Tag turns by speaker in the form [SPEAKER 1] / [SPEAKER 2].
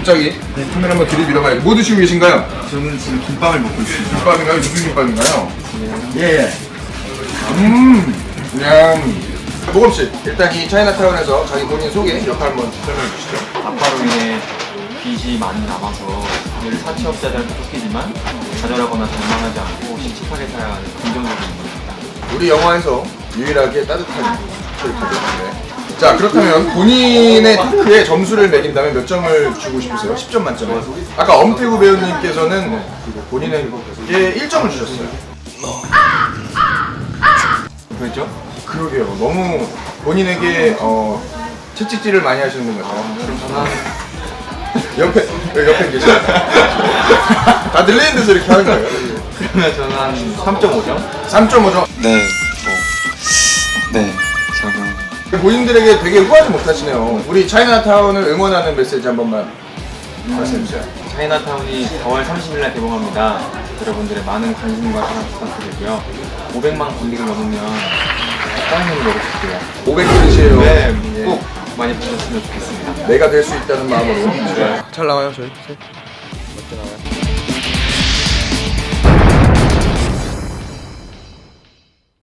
[SPEAKER 1] 갑자기 카메라 한번 들이밀어봐요. 뭐 드시고 계신가요?
[SPEAKER 2] 저는 지금 김밥을 먹고 있습니다.
[SPEAKER 1] 김밥인가요? 무슨 김밥인가요?
[SPEAKER 2] 예.
[SPEAKER 1] 그냥 모검씨 일단 이 차이나타운에서 자기 본인 소개 역할 한번 설명해 주시죠.
[SPEAKER 3] 아빠로 인해 빚이 많이 남아서 늘 사채업자들한테 쫓기지만 좌절하거나 절망하지 않고 씩씩하게 살아가는 긍정적인 인물입니다.
[SPEAKER 1] 우리 영화에서 유일하게 따뜻한 캐릭터였는데 자 그렇다면 본인의 토크에 점수를 매긴다면 몇 점을 주고 싶으세요? 10점 만점에. 아까 엄태구 배우님께서는 본인에게 1점을 주셨어요.
[SPEAKER 3] 그렇죠?
[SPEAKER 1] 그러게요. 너무 본인에게 채찍질을 많이 하시는 것 같아요.
[SPEAKER 3] 그럼 저는
[SPEAKER 1] 옆에 계세요. 다 들리는 데서 이렇게 하는 거예요.
[SPEAKER 3] 그러면 저는 한 3.5점?
[SPEAKER 1] 3.5점.
[SPEAKER 4] 네, 네, 저는
[SPEAKER 1] 본인들에게 되게 후하지 못하시네요. 우리 차이나타운을 응원하는 메시지 한 번만 말씀해주세요.
[SPEAKER 3] 차이나타운이 4월 30일 날 개봉합니다. 여러분들의 많은 관심과 사랑 부탁드리고요. 500만 관객을 넘으면 빵을 먹어볼게요.
[SPEAKER 1] 500kg이에요.
[SPEAKER 3] 네, 꼭 많이 보셨으면 좋겠습니다.
[SPEAKER 1] 내가 될 수 있다는 마음으로. 잘 나와요, 저희.